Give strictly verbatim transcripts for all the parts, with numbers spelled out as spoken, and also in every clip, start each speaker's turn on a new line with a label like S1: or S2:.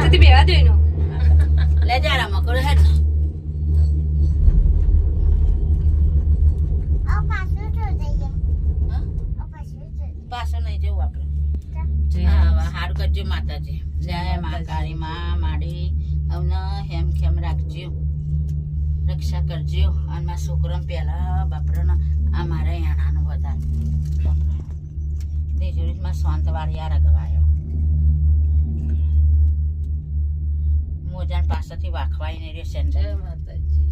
S1: પાછળથી બેવા દો એનો
S2: લે જારા મકડો હેડ
S3: આ પાછું તો જઈએ
S2: હા
S3: આ પાછું તો
S2: પાછો નહીં જવું આપણે હા હારું કરજો માતાજી જય મા કાળી માં માડી હવને હેમ ખેમ રાખજો રક્ષા કરજો અને મારા છોકરાને પહેલા બાપરાને આ મારા યાણાનું વધારે દેજોરીમાં શાંત વાળી આ રગવાયો મોજાન પાસેથી વાખવાય ને રહ્યો સેન્ટર જય માતાજી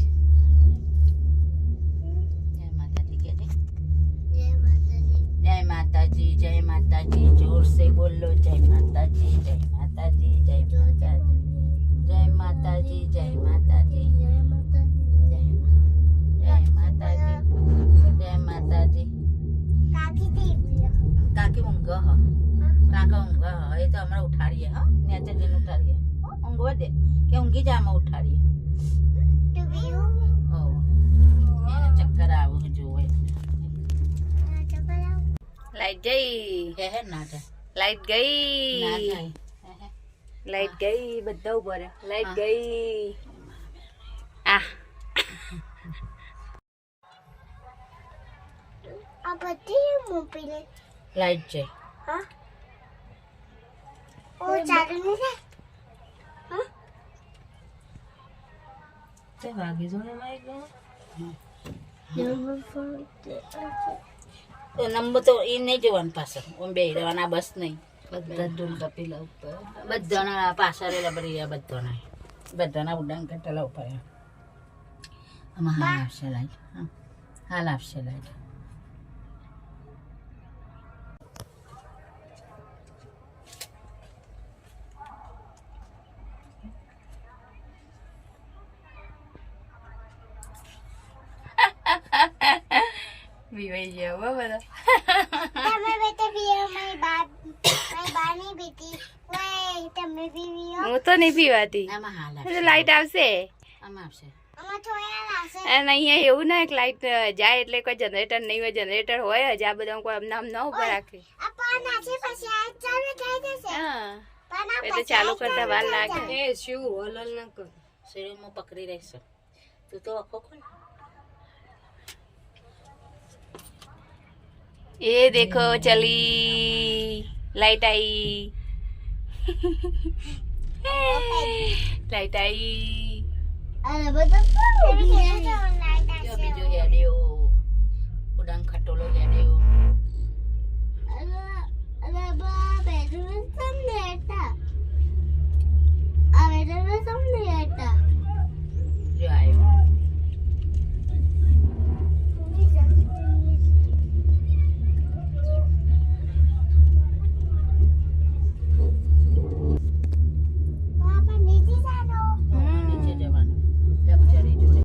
S2: જય માતાજી કે છે
S3: જય માતાજી
S2: જય માતાજી જય માતાજી જોર से બોલો જય માતાજી જય માતાજી જય માતાજી જય માતાજી જય માતાજી
S3: જય માતાજી
S2: જય માતાજી જય માતાજી
S3: કાકી દેવી
S2: કાકી ઊંઘ હ કાકા ઊંઘ હ એ તો હમણાં ઉઠાડીએ હા નેચર જઈને ઉઠાડીએ ઊંઘવા દે કે ઊંઘી જા આમાં ઉઠાડીએ
S3: તો બીઓ
S2: ઓ એને ચક્કર આવું જોવે
S1: લાઈટ ગઈ
S2: હે હે ના જાય
S1: લાઈટ
S2: ના
S1: ગઈ
S2: જાય હે હે
S1: લાઈટ ગઈ બધા ઉપર લાઈટ ગઈ આ
S3: આ બધી મોપીને
S2: લાઈટ જાય
S3: હા ઓ ચાલુ નહીં થાય હા
S1: તે વાગી જો ને માઈક
S3: નંબર ફોર
S2: તો નંબર તો એ નહીં જોવાનું પાછળ ઓમ બે રહેવાના બસ નહીં
S1: બધા ઢોલકા પેલા ઉપર
S2: બધાના પાછળ રબડી રહ્યા બધાના બધાના ઉડાન કટેલા ઉપર આમાં હાલ આપશે લાઈટ હા હાલ આપશે લાઈટ
S1: વિવાઈ ગયા હો બધા
S3: તમે બેટા પીઓ મારી બા મારી બા નહીં પીતી વે તમે પીવીઓ
S1: હું તો નહીં પીવાતી
S2: આમાં હાલ
S1: તો
S2: આપશે
S1: લાઈટ આવશે
S2: આમાં આપશે
S3: આમાં થોડા લાશે
S1: અને અહીંયા એવું ના કે લાઈટ જાય એટલે કોઈ જનરેટર નહીં હોય જનરેટર હોય જ આ બધા કોઈ અમને આમ ન ઉભા રાખે
S3: આ પાન આછે પછી આ ચાલુ થઈ જશે
S1: હા
S3: પાન આ
S1: એટલે ચાલુ કરતા વાર લાગે
S3: એ
S1: શું હલલ ના કર
S2: શરીરમાં પકડી રહેશે તું તો આખો ખોલ
S1: ये देखो चली लाइट आई लाइट आई
S3: અરે બધા બીજા લાઈટ
S2: જો
S3: આશે
S2: બીજો હેડ્યો ઉડાન ખટોલો હેડ્યો
S3: અરે અરે બા બેડરૂમ સમ દેતા